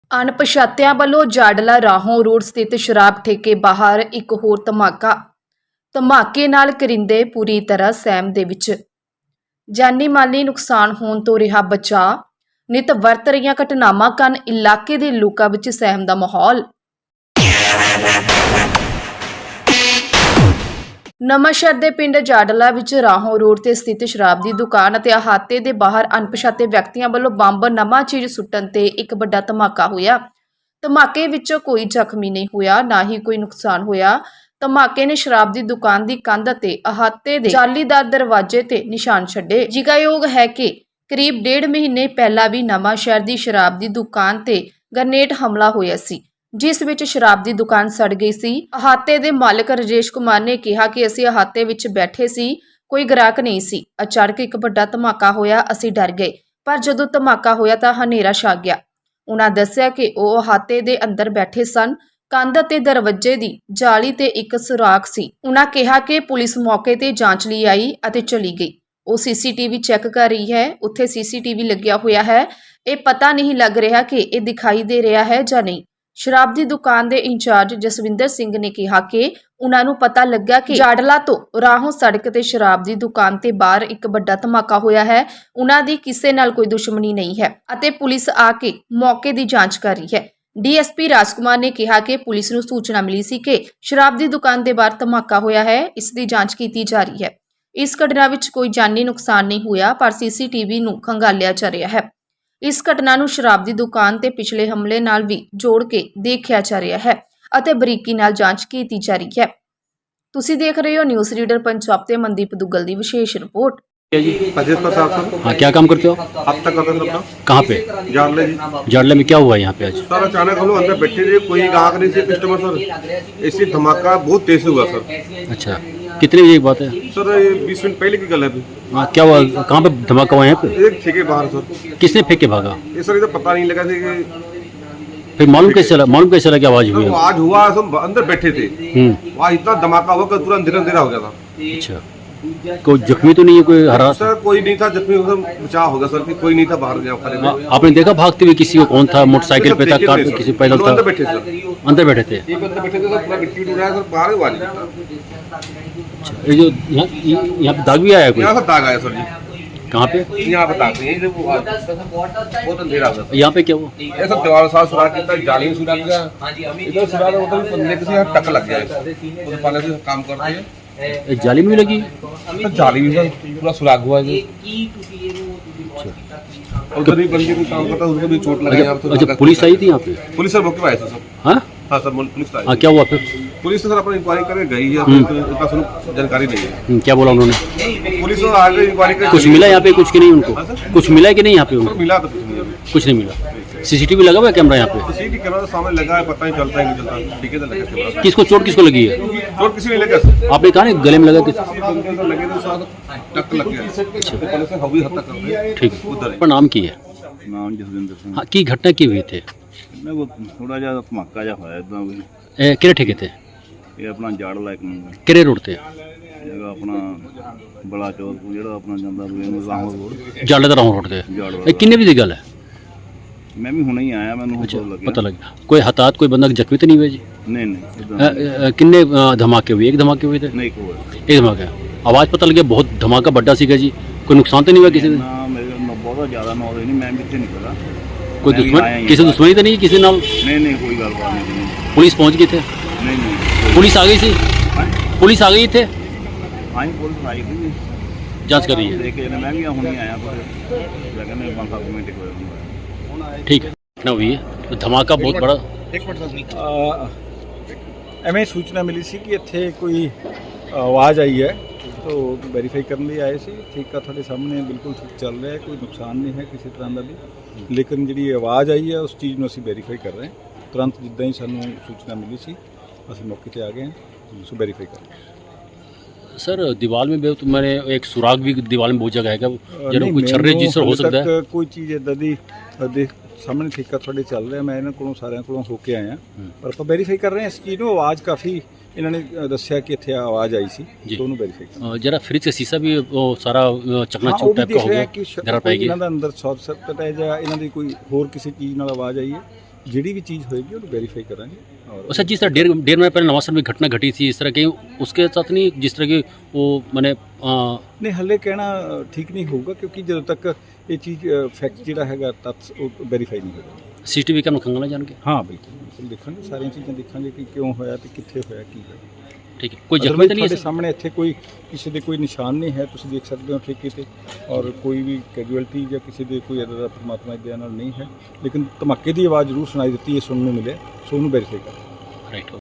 ਅਣਪਛਾਤਿਆਂ ਵੱਲੋਂ ਜਾਡਲਾ ਰਾਹੋਂ ਰੋਡ ਸਥਿਤ ਸ਼ਰਾਬ ਠੇਕੇ ਬਾਹਰ ਇੱਕ ਹੋਰ ਧਮਾਕੇ ਨਾਲ ਕਰਿੰਦੇ ਪੂਰੀ ਤਰ੍ਹਾਂ ਸਹਿਮ ਦੇ ਵਿੱਚ। ਜਾਨੀ ਮਾਲੀ ਨੁਕਸਾਨ ਹੋਣ ਤੋਂ ਰਿਹਾ ਬਚਾਅ। ਨਿਤ ਵਰਤ ਰਹੀਆਂ ਘਟਨਾਵਾਂ ਕਾਰਨ ਇਲਾਕੇ ਦੇ ਲੋਕਾਂ ਵਿੱਚ ਸਹਿਮ ਦਾ ਮਾਹੌਲ। ਨਵਾਂਸ਼ਹਿਰ ਦੇ ਪਿੰਡ ਜਾਡਲਾ ਵਿੱਚ ਰਾਹੋਂ ਰੋਡ ਤੇ ਸਥਿਤ ਸ਼ਰਾਬ ਦੀ ਦੁਕਾਨ ਅਤੇ ਅਹਾਤੇ ਦੇ ਬਾਹਰ ਅਣਪਛਾਤੇ ਵਿਅਕਤੀਆਂ ਵੱਲੋਂ ਬੰਬ ਨਵਾਂ ਚੀਜ਼ ਸੁੱਟਣ ਤੇ ਇੱਕ ਵੱਡਾ ਧਮਾਕਾ ਹੋਇਆ। ਧਮਾਕੇ ਵਿੱਚ ਕੋਈ ਜ਼ਖਮੀ ਨਹੀਂ ਹੋਇਆ, ਨਾ ਹੀ ਕੋਈ ਨੁਕਸਾਨ ਹੋਇਆ। ਧਮਾਕੇ ਨੇ ਸ਼ਰਾਬ ਦੀ ਦੁਕਾਨ ਦੀ ਕੰਧ ਅਤੇ ਅਹਾਤੇ ਦੇ ਜਾਲੀਦਾਰ ਦਰਵਾਜ਼ੇ ਤੇ ਨਿਸ਼ਾਨ ਛੱਡੇ। ਜ਼ਿਕਰਯੋਗ ਹੈ ਕਿ ਕਰੀਬ 1.5 ਮਹੀਨੇ ਪਹਿਲਾਂ ਵੀ ਨਵਾਂਸ਼ਹਿਰ ਦੀ ਸ਼ਰਾਬ ਦੀ ਦੁਕਾਨ ਤੇ ਗ੍ਰਨੇਡ ਹਮਲਾ ਹੋਇਆ ਸੀ, ਜਿਸ ਵਿੱਚ ਸ਼ਰਾਬ ਦੀ ਦੁਕਾਨ ਸੜ ਗਈ ਸੀ। ਅਹਾਤੇ ਦੇ ਮਾਲਕ ਰਾਜੇਸ਼ ਕੁਮਾਰ ਨੇ ਕਿਹਾ ਕਿ ਅਸੀਂ ਅਹਾਤੇ ਵਿੱਚ ਬੈਠੇ ਸੀ, ਕੋਈ ਗ੍ਰਾਹਕ ਨਹੀਂ ਸੀ। ਅਚਾਨਕ ਇੱਕ ਵੱਡਾ ਧਮਾਕਾ ਹੋਇਆ, ਅਸੀਂ ਡਰ ਗਏ, ਪਰ ਜਦੋਂ ਧਮਾਕਾ ਹੋਇਆ ਤਾਂ ਹਨੇਰਾ ਛਾ ਗਿਆ। ਉਹਨਾਂ ਦੱਸਿਆ ਕਿ ਉਹ ਅਹਾਤੇ ਦੇ ਅੰਦਰ ਬੈਠੇ ਸਨ। ਕੰਧ ਅਤੇ ਦਰਵਾਜ਼ੇ ਦੀ ਜਾਲੀ ਤੇ ਇੱਕ ਸੁਰਾਖ ਸੀ। ਉਹਨਾਂ ਕਿਹਾ ਕਿ ਪੁਲਿਸ ਮੌਕੇ ਤੇ ਜਾਂਚ ਲਈ ਆਈ ਅਤੇ ਚਲੀ ਗਈ। ਉਹ ਸੀਸੀਟੀਵੀ ਚੈੱਕ ਕਰ ਰਹੀ ਹੈ। ਉੱਥੇ ਸੀਸੀਟੀਵੀ ਲੱਗਿਆ ਹੋਇਆ ਹੈ। ਇਹ ਪਤਾ ਨਹੀਂ ਲੱਗ ਰਿਹਾ ਕਿ ਇਹ ਦਿਖਾਈ ਦੇ ਰਿਹਾ ਹੈ ਜਾਂ ਨਹੀਂ। ਸ਼ਰਾਬ ਦੀ ਦੁਕਾਨ ਦੇ ਇੰਚਾਰਜ ਜਸਵਿੰਦਰ ਸਿੰਘ ਨੇ ਕਿਹਾ ਕਿ ਉਹਨਾਂ ਨੂੰ ਪਤਾ ਲੱਗਾ ਕਿ ਜਾਡਲਾ ਤੋਂ ਰਾਹੋਂ ਸੜਕ ਤੇ ਸ਼ਰਾਬ ਦੀ ਦੁਕਾਨ ਤੇ ਬਾਹਰ ਇੱਕ ਵੱਡਾ ਧਮਾਕਾ ਹੋਇਆ ਹੈ। ਉਹਨਾਂ ਦੀ ਕਿਸੇ ਨਾਲ ਕੋਈ ਦੁਸ਼ਮਣੀ ਨਹੀਂ ਹੈ ਅਤੇ ਪੁਲਿਸ ਆ ਕੇ ਮੌਕੇ ਦੀ ਜਾਂਚ ਕਰ ਰਹੀ ਹੈ। ਡੀਐਸਪੀ ਰਾਜਕੁਮਾਰ ਨੇ ਕਿਹਾ ਕਿ ਪੁਲਿਸ ਨੂੰ ਸੂਚਨਾ ਮਿਲੀ ਸੀ ਕਿ ਸ਼ਰਾਬ ਦੀ ਦੁਕਾਨ ਦੇ ਬਾਹਰ ਧਮਾਕਾ ਹੋਇਆ ਹੈ। ਇਸ ਦੀ ਜਾਂਚ ਕੀਤੀ ਜਾ ਰਹੀ ਹੈ। ਇਸ ਘਟਨਾ ਵਿੱਚ ਕੋਈ ਜਾਨੀ ਨੁਕਸਾਨ ਨਹੀਂ ਹੋਇਆ, ਪਰ ਸੀਸੀਟੀਵੀ ਨੂੰ ਖੰਗਾਲਿਆ ਜਾ ਰਿਹਾ ਹੈ। ਇਸ ਘਟਨਾ ਨੂੰ ਸ਼ਰਾਬ ਦੀ ਦੁਕਾਨ ਤੇ ਪਿਛਲੇ ਹਮਲੇ ਨਾਲ ਵੀ ਜੋੜ ਕੇ ਦੇਖਿਆ ਜਾ ਰਿਹਾ ਹੈ ਅਤੇ ਬਰੀਕੀ ਨਾਲ ਜਾਂਚ ਕੀਤੀ ਜਾ ਰਹੀ ਹੈ। ਤੁਸੀਂ ਦੇਖ ਰਹੇ ਹੋ ਨਿਊਜ਼ ਰੀਡਰ पंजाब ਤੇ ਮਨਦੀਪ ਦੁੱਗਲ ਦੀ ਵਿਸ਼ੇष रिपोर्ट। जी अजीत प्रसाद सर। हाँ, क्या काम करते हो? अब तक करते सर। कहाँ पे? जाडले जी। जाडले में क्या हुआ यहाँ पे आज? सर अचानक हम लोग अंदर बैठे थे, कोई ग्राहक नहीं थे, कस्टमर सर। इसी धमाका बहुत तेज से हुआ सर। अच्छा, कितने बजे की बात है? सर ये 20 मिनट पहले की गल है अभी। हाँ, क्या हुआ? कहाँ पे धमाका हुआ यहाँ पे? एक ठेके बाहर सर। किसने फेंक के भागा? ये सर इधर पता नहीं लगा था कि फिर मालूम कैसे चला कि आवाज हुई? आज हुआ, हम अंदर बैठे थे, वहाँ इतना धमाका हुआ कि पूरा अंधेरा हो गया था। अच्छा, कोई जख्मी तो नहीं है? कोई हरा? सर कोई नहीं था जख्मी, बचाव हो गया सर, कि कोई नहीं था बाहर गया खड़े। आपने देखा भागते हुए किसी को? कौन था? मोटरसाइकिल पे था, कार पे, किसी पैदल था? अंदर बैठे सर। अंदर बैठे थे। एक अंदर बैठे थे सर, पूरा मिट्टी उड़ रहा है सर, बाहर आवाज नहीं था। अच्छा, ये जो यहाँ पे दाग भी आया कोई? यहाँ से दाग आया सर जी। कहाँ पे? यहाँ पे दाग नहीं है, बहुत अंधेरा हो गया। यहाँ पे क्या हुआ? ऐसा दीवार के साथ सुराख किया, जाली में सुराख गया, इधर सुराख मतलब बंदे के यहाँ टक लग गया है। वो पहले से काम करते हैं, एक जाली में भी लगी? तो जाली में पूरा सुराख हुआ है। उधर भी बंदे को काम करता है, उसको भी चोट लगा यहाँ पे। अच्छा, पुलिस आई थी यहाँ पे? पुलिस सर मौके पे आई थी सर। हाँ हाँ सर, पुलिस आई। हाँ, क्या हुआ फिर? पुलिस सर अपनी इंक्वायरी करके गई है, इतना सुन जानकारी नहीं है। क्या बोला उन्होंने? पुलिस तो आगे इंक्वायरी कर कुछ मिला यहाँ पे? कुछ की नहीं उनको? कुछ मिला कि नहीं यहाँ पे उनको? मिला तो कुछ नहीं अभी। कुछ नहीं मिला। सीसीटीवी लगा हुआ है कैमरा यहाँ पे? सीसीटीवी कैमरा तो सामने लगा है, पता नहीं चलता है नहीं चलता। ठीक है, लगा कैमरा। किसको चोट किसको लगी है? चोट किसी नहीं लगा सर। आपने कहा ना गले में लगा? किस लगे तो साथ टक लग गया। पहले से हवी हद तक कर रहे। ठीक उधर पर नाम की है? नाम जसविंदर सिंह। हाँ, की घटना की हुई थे? मैं वो थोड़ा जा धमाका जा होया इतना भी। किरे ठेके थे? ये अपना जाडला एक नंबर किरे रोड थे? जगह अपना बड़ा चौक को जेड़ा अपना ਜਾਂਦਾ ਰਾਹੋਂ ਰੋਡ। ਜਾਲੇ ਦਾ ਰਾਹੋਂ ਰੋਡ ਤੇ? ਜਾਡਲਾ। ਇਹ ਕਿੰਨੇ ਵਜੇ ਦੀ ਗੱਲ ਹੈ? मैं भी हुणे ही आया, मैंने अच्छा, हो लगा पता लगा। कोई हताहत, कोई बंदा जख्मी तो नहीं हुआ जी? नहीं नहीं इधर किन्ने धमाके हुए? एक धमाके हुए थे? नहीं कोई एक धमाका। आवाज़ पता लगे बहुत धमाका बड़ा सीगा जी। कोई नुकसान तो नहीं हुआ किसी ने? ना मेरे बहुत ज़्यादा नॉलेज नहीं, मैं भी इतने नहीं पता। कोई मैं भी दुश्मन, आया ही किसी हूँ। दुश्मनी तो नहीं किसी नाल? नहीं नहीं कोई गलबात नहीं। पुलिस पहुंच गए थे? नहीं नहीं पुलिस आ गई थी? पुलिस आ गई थे? हाँ पुलिस आई थी, जांच कर रही है। देखे मैं भी हुणे आया पर जगह में 5-7 मिनट होया। ठीक है, घटना हुई है तो धमाका बहुत बड़ा। ਐਵੇਂ ਸੂਚਨਾ ਮਿਲੀ ਸੀ ਕਿ ਇੱਥੇ ਕੋਈ ਆਵਾਜ਼ ਆਈ ਹੈ, तो ਵੈਰੀਫਾਈ ਕਰਨ ਲਈ ਆਏ ਸੀ। ਠੀਕ ਆ, ਤੁਹਾਡੇ ਸਾਹਮਣੇ ਬਿਲਕੁਲ ਠੀਕ ਚੱਲ ਰਿਹਾ ਹੈ, ਕੋਈ ਨੁਕਸਾਨ ਨਹੀਂ ਹੈ ਕਿਸੇ ਤਰ੍ਹਾਂ ਦਾ ਵੀ। ਲੇਕਿਨ ਜਿਹੜੀ ਆਵਾਜ਼ ਆਈ ਹੈ ਉਸ ਚੀਜ਼ ਨੂੰ ਅਸੀਂ ਵੈਰੀਫਾਈ ਕਰ ਰਹੇ ਹਾਂ। ਤੁਰੰਤ ਜਿੱਦਾਂ ਹੀ ਸਾਨੂੰ ਸੂਚਨਾ ਮਿਲੀ ਸੀ ਅਸੀਂ ਮੌਕੇ ਤੇ ਆ ਗਏ ਹਾਂ, ਸੋ ਵੈਰੀਫਾਈ ਕਰ ਰਹੇ ਹਾਂ। सर दीवार में भी तो मैंने एक सुराग भी दीवार में बहुत जगह है, जरा कोई छर्रे जिससे हो सकता है? ਕੋਈ ਚੀਜ਼ ਇਦਾਂ ਦੀ ਦੇਖ ਸਾਹਮਣੇ ਠੇਕਾ ਤੁਹਾਡੇ ਚੱਲ ਰਿਹਾ, ਮੈਂ ਇਹਨਾਂ ਕੋਲੋਂ ਸਾਰਿਆਂ ਕੋਲੋਂ ਹੋ ਕੇ ਆਇਆ, ਪਰ ਆਪਾਂ ਵੈਰੀਫਾਈ ਕਰ ਰਹੇ ਹਾਂ ਇਸ ਚੀਜ਼ ਨੂੰ। ਆਵਾਜ਼ ਕਾਫੀ ਇਹਨਾਂ ਨੇ ਦੱਸਿਆ कि ਇੱਥੇ ਆਵਾਜ਼ ਆਈ ਸੀ, तो ਉਹਨੂੰ ਵੈਰੀਫਾਈ ਕਰ। जरा फ्रिज का शीशा भी वो सारा चकनाचूर टाइप का हो गया, जरा पाएगी ਇਹਨਾਂ ਦਾ ਅੰਦਰ ਸ਼ਾਰਟ ਸਰਕਟ ਹੈ ਜਾਂ ਇਹਨਾਂ ਦੀ ਕੋਈ ਹੋਰ ਕਿਸੇ ਚੀਜ਼ ਨਾਲ ਆਵਾਜ਼ ਆਈ ਹੈ, ਜਿਹੜੀ ਵੀ ਚੀਜ਼ ਹੋਏਗੀ ਉਹਨੂੰ ਵੈਰੀਫਾਈ ਕਰਾਂਗੇ ਔਰ अच्छा जिस तरह डेढ़ महीने पहले नवासर में घटना घटी थी इस तरह की उसके साथ नहीं जिस तरह की वो मैंने ਨਹੀਂ ਹੱਲੇ ਕਹਿਣਾ ਠੀਕ ਨਹੀਂ ਹੋਊਗਾ ਕਿਉਂਕਿ ਜਦੋਂ ਤੱਕ ਇਹ ਚੀਜ਼ ਫੈਕਟ ਜਿਹੜਾ ਹੈਗਾ ਤੱਥ ਉਹ ਵੈਰੀਫਾਈ ਨਹੀਂ ਹੋਊਗਾ CCTV कैमरा खंगाला जान के ਹਾਂ ਬਿਲਕੁਲ ਦੇਖਾਂਗੇ ਸਾਰੀਆਂ ਚੀਜ਼ਾਂ ਦੇਖਾਂਗੇ ਕਿ ਕਿਉਂ ਹੋਇਆ ਤੇ ਕਿੱਥੇ ਹੋਇਆ ਕੀ ਹੋਇਆ ठीक है कोई Otherwise जख्मी तो नहीं ਤੁਹਾਡੇ है ਸਾਹਮਣੇ ਇੱਥੇ ਕੋਈ ਕਿਸੇ ਦੇ ਕੋਈ ਨਿਸ਼ਾਨ ਨਹੀਂ ਹੈ ਤੁਸੀਂ ਦੇਖ ਸਕਦੇ ਹੋ ਠੇਕੇ ਤੇ ਔਰ ਕੋਈ ਵੀ ਕੈਜੂਅਲਟੀ ਜਾਂ ਕਿਸੇ ਦੇ ਕੋਈ ਇੱਦਾਂ ਦਾ ਪਰਮਾਤਮਾ ਦੀ ਦਇਆ ਨਾਲ ਨਹੀਂ ਹੈ ਲੇਕਿਨ ਧਮਾਕੇ ਦੀ ਆਵਾਜ਼ ਜ਼ਰੂਰ ਸੁਣਾਈ ਦਿੱਤੀ ਹੈ ਸੁਣਨ ਨੂੰ ਮਿਲਿਆ ਸੋ ਉਹਨੂੰ ਵੈਰੀਫਾਈ ਕਰੋ राइट